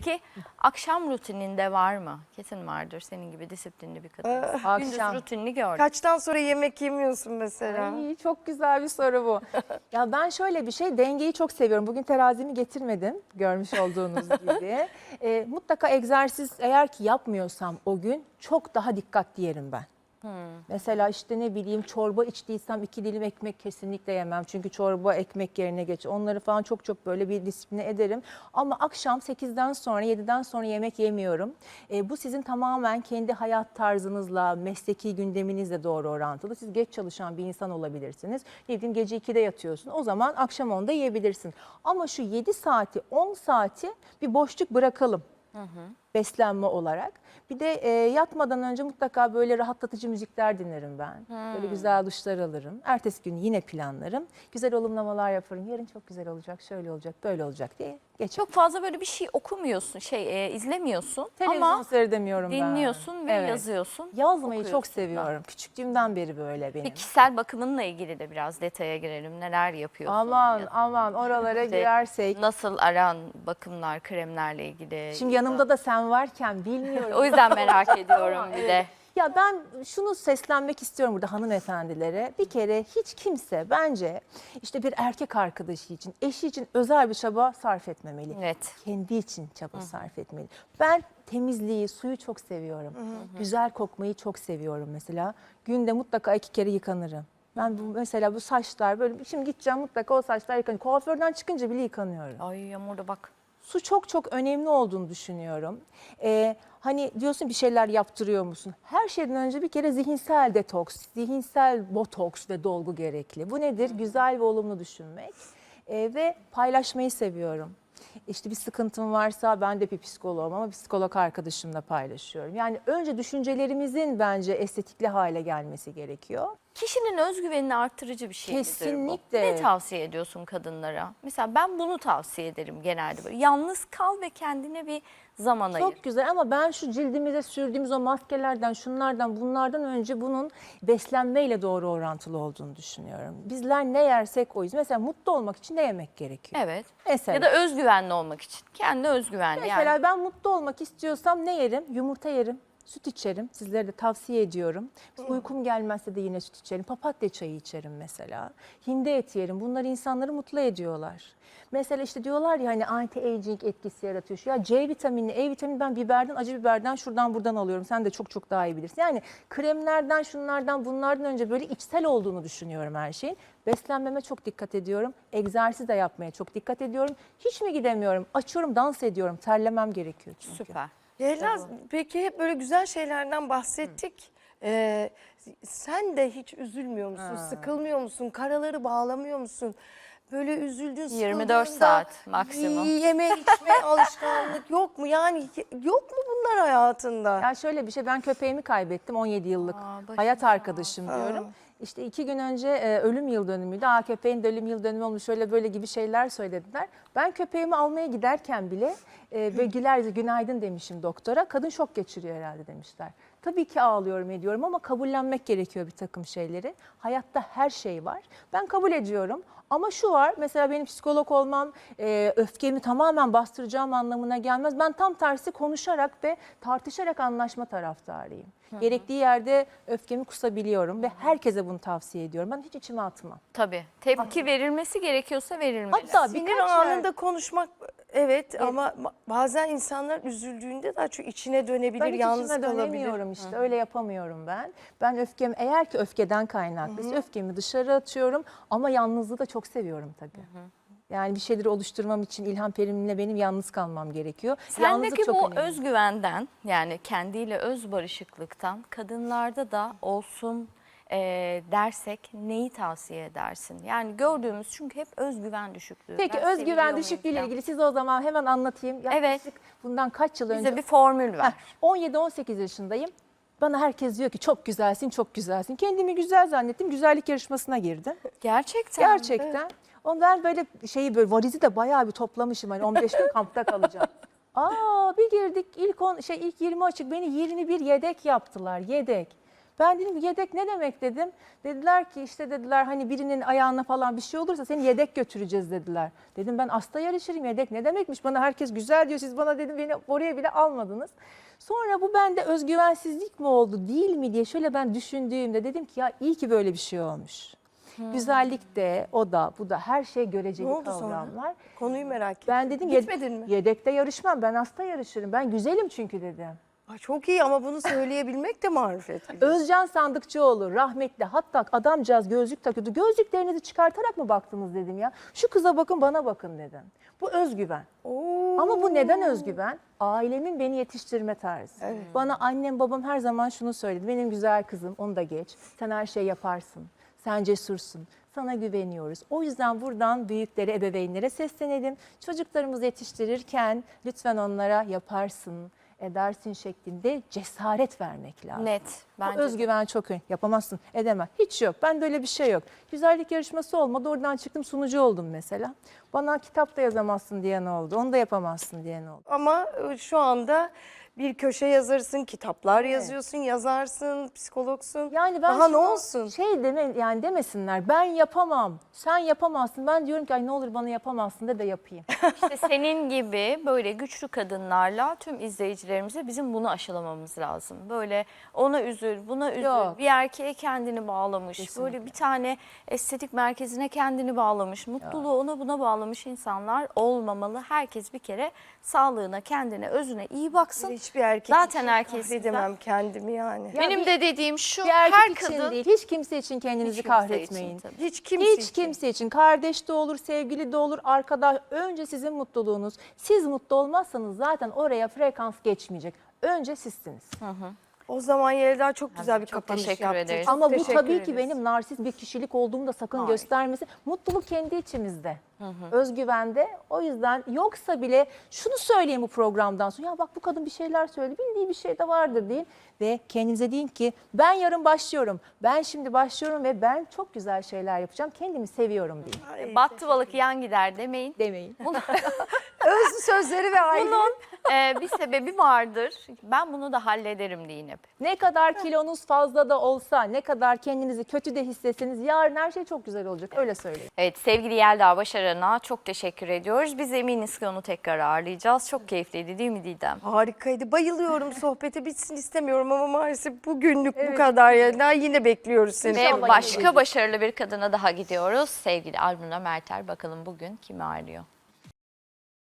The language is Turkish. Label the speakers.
Speaker 1: Peki akşam rutininde var mı? Kesin vardır, senin gibi disiplinli bir kadın. Gündüz
Speaker 2: Akşam.
Speaker 1: rutinini gördüm.
Speaker 2: Kaçtan sonra yemek yemiyorsun mesela?
Speaker 3: Ay, çok güzel bir soru bu. Ya ben şöyle bir şey, dengeyi çok seviyorum. Bugün terazimi getirmedim, görmüş olduğunuz gibi. Mutlaka egzersiz eğer ki yapmıyorsam o gün çok daha dikkatli yerim ben. Mesela işte ne bileyim, çorba içtiysem 2 dilim ekmek kesinlikle yemem. Çünkü çorba ekmek yerine geç. Onları falan çok böyle bir disipline ederim. Ama akşam 8'den sonra 7'den sonra yemek yemiyorum. Bu sizin tamamen kendi hayat tarzınızla, mesleki gündeminizle doğru orantılı. Siz geç çalışan bir insan olabilirsiniz. Ne bileyim, gece 2'de yatıyorsun. O zaman akşam 10'da yiyebilirsin. Ama şu 7 saati 10 saati bir boşluk bırakalım. Beslenme olarak. Bir de yatmadan önce mutlaka böyle rahatlatıcı müzikler dinlerim ben. Böyle güzel duşlar alırım. Ertesi gün yine planlarım. Güzel olumlamalar yaparım. Yarın çok güzel olacak, şöyle olacak, böyle olacak diye geçer.
Speaker 1: Çok fazla böyle bir şey okumuyorsun, izlemiyorsun
Speaker 3: Televizyon
Speaker 1: ama
Speaker 3: seyredemiyorum ben.
Speaker 1: dinliyorsun ve
Speaker 3: Evet.
Speaker 1: yazıyorsun.
Speaker 3: Yazmayı
Speaker 1: okuyorsun
Speaker 3: çok
Speaker 1: da.
Speaker 3: seviyorum. Küçüklüğümden beri böyle benim.
Speaker 1: Peki kişisel bakımınla ilgili de biraz detaya girelim. Neler yapıyorsun?
Speaker 3: Aman oralara
Speaker 1: İşte
Speaker 3: girersek.
Speaker 1: Nasıl aran bakımlar, kremlerle ilgili?
Speaker 3: Şimdi yanımda da sen varken bilmiyorum.
Speaker 1: O yüzden merak ediyorum bir de.
Speaker 3: Ya ben şunu seslenmek istiyorum burada hanımefendilere. Bir kere hiç kimse bence işte bir erkek arkadaşı için, eşi için özel bir çaba sarf etmemeli.
Speaker 1: Evet.
Speaker 3: Kendi için çaba sarf etmeli. Ben temizliği, suyu çok seviyorum. Güzel kokmayı çok seviyorum mesela. Günde mutlaka 2 kere yıkanırım. Ben mesela bu saçlar böyle, şimdi gideceğim mutlaka o saçlar yıkanıyor. Kuaförden çıkınca bile yıkanıyorum.
Speaker 1: Ay Yağmur'da bak.
Speaker 3: Su çok önemli olduğunu düşünüyorum. Hani diyorsun bir şeyler yaptırıyor musun? Her şeyden önce bir kere zihinsel detoks, zihinsel botoks ve dolgu gerekli. Bu nedir? Güzel ve olumlu düşünmek ve paylaşmayı seviyorum. İşte bir sıkıntım varsa ben de bir psikoloğum ama psikolog arkadaşımla paylaşıyorum. Yani önce düşüncelerimizin bence estetikli hale gelmesi gerekiyor.
Speaker 1: Kişinin özgüvenini arttırıcı bir şey
Speaker 3: Kesinlikle.
Speaker 1: bu. Ne tavsiye ediyorsun kadınlara? Mesela ben bunu tavsiye ederim genelde böyle. Yalnız kal ve kendine bir zaman ayır.
Speaker 3: Çok güzel ama ben şu cildimize sürdüğümüz o maskelerden, şunlardan, bunlardan önce bunun beslenmeyle doğru orantılı olduğunu düşünüyorum. Bizler ne yersek oyuz. Mesela mutlu olmak için ne yemek gerekiyor?
Speaker 1: Evet.
Speaker 3: Mesela,
Speaker 1: Ya da özgüvenli olmak için. Kendine özgüvenli
Speaker 3: mesela
Speaker 1: yani.
Speaker 3: ben mutlu olmak istiyorsam ne yerim? Yumurta yerim. Süt içerim. Sizlere de tavsiye ediyorum. Uykum gelmezse de yine süt içerim. Papatya çayı içerim mesela. Hindi eti yerim. Bunlar insanları mutlu ediyorlar. Mesela işte diyorlar ya hani anti-aging etkisi yaratıyor. Ya C vitamini, E vitamini ben biberden, acı biberden şuradan buradan alıyorum. Sen de çok daha iyi bilirsin. Yani kremlerden, şunlardan, bunlardan önce böyle içsel olduğunu düşünüyorum her şeyin. Beslenmeme çok dikkat ediyorum. Egzersiz de yapmaya çok dikkat ediyorum. Hiç mi gidemiyorum? Açıyorum, dans ediyorum. Terlemem gerekiyor çünkü.
Speaker 1: Süper.
Speaker 2: Leyla, peki hep böyle güzel şeylerden bahsettik. Sen de hiç üzülmüyor musun? Sıkılmıyor musun? Karaları bağlamıyor musun? Böyle üzüldün,
Speaker 1: 24
Speaker 2: sıkıldığında
Speaker 1: saat maksimum.
Speaker 2: Yeme içme alışkanlık yok mu? Yani yok mu bunlar hayatında?
Speaker 3: Ya şöyle bir şey, ben köpeğimi kaybettim, 17 yıllık
Speaker 1: başım
Speaker 3: hayat arkadaşım diyorum. İşte 2 gün önce ölüm yıl dönümüydü. Köpeğin de ölüm yıl dönümü olmuş, şöyle böyle gibi şeyler söylediler. Ben köpeğimi almaya giderken bile ve günaydın demişim doktora. Kadın şok geçiriyor herhalde demişler. Tabii ki ağlıyorum ediyorum ama kabullenmek gerekiyor bir takım şeyleri. Hayatta her şey var. Ben kabul ediyorum. Ama şu var, mesela benim psikolog olmam öfkemi tamamen bastıracağım anlamına gelmez. Ben tam tersi konuşarak ve tartışarak anlaşma taraftarıyım. Gerektiği yerde öfkemi kusabiliyorum ve herkese bunu tavsiye ediyorum. Ben hiç içime atmam.
Speaker 1: Tabii. Tepki verilmesi gerekiyorsa verilmeli.
Speaker 3: Hatta
Speaker 2: Sinir
Speaker 3: birkaç
Speaker 2: anında konuşmak evet ama bazen insanlar üzüldüğünde daha çok içine dönebilir,
Speaker 3: ben hiç
Speaker 2: yalnız
Speaker 3: içime
Speaker 2: kalabilir.
Speaker 3: dönemiyorum işte. Öyle yapamıyorum ben. Ben öfkemi, eğer ki öfkeden kaynaklıysa öfkemi dışarı atıyorum ama yalnızlığı da çok seviyorum tabii. Yani bir şeyleri oluşturmam için İlhan Perim'le benim yalnız kalmam gerekiyor. Yalnızlık
Speaker 1: Sendeki
Speaker 3: çok
Speaker 1: bu
Speaker 3: önemli.
Speaker 1: özgüvenden, yani kendiyle öz barışıklıktan kadınlarda da olsun dersek neyi tavsiye edersin? Yani gördüğümüz çünkü hep özgüven düşüklüğü.
Speaker 3: Peki
Speaker 1: Ben
Speaker 3: özgüven
Speaker 1: seviliyor
Speaker 3: düşüklüğüyle
Speaker 1: muyum
Speaker 3: ilgili siz o zaman hemen anlatayım. Yaklaşık bundan kaç yıl
Speaker 1: falan?
Speaker 3: önce?
Speaker 1: Bize bir formül ver.
Speaker 3: 17-18 yaşındayım. Bana herkes diyor ki çok güzelsin, çok güzelsin. Kendimi güzel zannettim. Güzellik yarışmasına girdim.
Speaker 1: Gerçekten.
Speaker 3: Gerçekten. O ben böyle böyle varizi de bayağı bir toplamışım. Hani 15 gün kampta kalacağım. Bir girdik ilk 20 açık, beni 21 yedek yaptılar. Yedek. Ben dedim yedek ne demek dedim. Dediler ki işte dediler hani birinin ayağına falan bir şey olursa seni yedek götüreceğiz dediler. Dedim ben asta yarışırım, yedek ne demekmiş, bana herkes güzel diyor, siz bana dedim beni oraya bile almadınız. Sonra bu bende özgüvensizlik mi oldu değil mi diye şöyle ben düşündüğümde dedim ki ya iyi ki böyle bir şey olmuş. Güzellik de o da bu da her şey
Speaker 2: Ne
Speaker 3: göreceli
Speaker 2: oldu sonra?
Speaker 3: kavramlar.
Speaker 2: Konuyu merak ettim.
Speaker 3: Ben dedim
Speaker 2: Gitmedin mi?
Speaker 3: yedekte yarışmam, ben hasta yarışırım, ben güzelim çünkü dedim.
Speaker 2: Ay, çok iyi ama bunu söyleyebilmek de marifet. biliyorsun.
Speaker 3: Özcan Sandıkçıoğlu rahmetli, hatta adamcağız gözlük takıyordu. Gözlüklerinizi çıkartarak mı baktınız dedim ya. Şu kıza bakın, bana bakın dedim. Bu özgüven.
Speaker 2: Oo.
Speaker 3: Ama bu neden özgüven? Ailemin beni yetiştirme tarzı. Bana annem babam her zaman şunu söyledi. Benim güzel kızım, onu da geç. Sen her şey yaparsın. Sen cesursun. Sana güveniyoruz. O yüzden buradan büyüklere, ebeveynlere seslenelim. Çocuklarımızı yetiştirirken lütfen onlara yaparsın, edersin şeklinde cesaret vermek lazım.
Speaker 1: Net.
Speaker 3: Bu
Speaker 1: Bence de.
Speaker 3: özgüven çok önemli. Yapamazsın, edemem. Hiç yok. Bende öyle bir şey yok. Güzellik yarışması olmadı. Oradan çıktım, sunucu oldum mesela. Bana kitap da yazamazsın diyen oldu. Onu da yapamazsın diyen oldu.
Speaker 2: Ama şu anda bir köşe yazarısın, kitaplar yazıyorsun, yazarsın, psikologsun.
Speaker 3: Yani ben
Speaker 2: Daha ne
Speaker 3: şunu
Speaker 2: olsun?
Speaker 3: Şey yani demesinler. Ben yapamam. Sen yapamazsın. Ben diyorum ki ay ne olur bana yapamazsın de yapayım.
Speaker 1: İşte senin gibi böyle güçlü kadınlarla tüm izleyicilerimize bizim bunu aşılamamız lazım. Böyle ona üzül, buna üzül,
Speaker 3: Yok.
Speaker 1: bir erkeğe kendini bağlamış,
Speaker 3: Kesinlikle.
Speaker 1: böyle bir tane estetik merkezine kendini bağlamış, mutluluğu ona buna bağlamış insanlar olmamalı. Herkes bir kere sağlığına, kendine, özüne iyi baksın.
Speaker 2: Hiçbir erkek
Speaker 1: Zaten
Speaker 2: için
Speaker 1: herkes
Speaker 2: kahredemem kendimi yani.
Speaker 3: Ya
Speaker 1: Benim de dediğim şu,
Speaker 3: Bir erkek
Speaker 1: her
Speaker 3: için
Speaker 1: kadın
Speaker 3: değil. Hiç kimse için kendinizi
Speaker 1: hiç kimse
Speaker 3: kahretmeyin.
Speaker 1: için tabii.
Speaker 2: Hiç kimse
Speaker 3: Hiç
Speaker 2: için.
Speaker 3: kimse için. Kardeş de olur, sevgili de olur, arkadaş. Önce sizin mutluluğunuz. Siz mutlu olmazsanız zaten oraya frekans geçmeyecek. Önce sizsiniz.
Speaker 2: O zaman Yelda çok güzel bir
Speaker 1: çok
Speaker 2: kapanış
Speaker 1: teşekkür
Speaker 2: yaptın.
Speaker 1: ederiz.
Speaker 2: Çok
Speaker 3: Ama bu
Speaker 2: teşekkür
Speaker 3: tabii
Speaker 2: ederiz.
Speaker 3: ki benim narsist bir kişilik olduğumu da sakın
Speaker 1: Hayır.
Speaker 3: göstermesin. Mutluluk kendi içimizde. Özgüvende. O yüzden yoksa bile şunu söyleyeyim bu programdan sonra. Ya bak bu kadın bir şeyler söyledi. Bildiği bir şey de vardır deyin. Ve kendinize deyin ki ben yarın başlıyorum. Ben şimdi başlıyorum ve ben çok güzel şeyler yapacağım. Kendimi seviyorum deyin.
Speaker 2: Ay,
Speaker 1: battı balık yan gider demeyin.
Speaker 3: Demeyin.
Speaker 2: Öz sözleri ve aile.
Speaker 1: Bunun bir sebebi vardır. Ben bunu da hallederim deyin hep.
Speaker 3: Ne kadar kilonuz fazla da olsa, ne kadar kendinizi kötü de hissetseniz yarın her şey çok güzel olacak. Öyle söyleyeyim.
Speaker 1: Evet, sevgili Yelda Başaran'a çok teşekkür ediyoruz. Biz eminiz ki onu tekrar ağırlayacağız. Çok keyifliydi değil mi Didem?
Speaker 2: Harikaydı. Bayılıyorum, sohbeti bitsin istemiyorum ama maalesef bugünlük bu kadar Yelda. Yine bekliyoruz seni.
Speaker 1: Ve
Speaker 3: İnşallah
Speaker 1: başka
Speaker 3: yine
Speaker 1: başarılı bir kadına daha gidiyoruz. Sevgili Almina Mertel, bakalım bugün kimi ağırlıyor?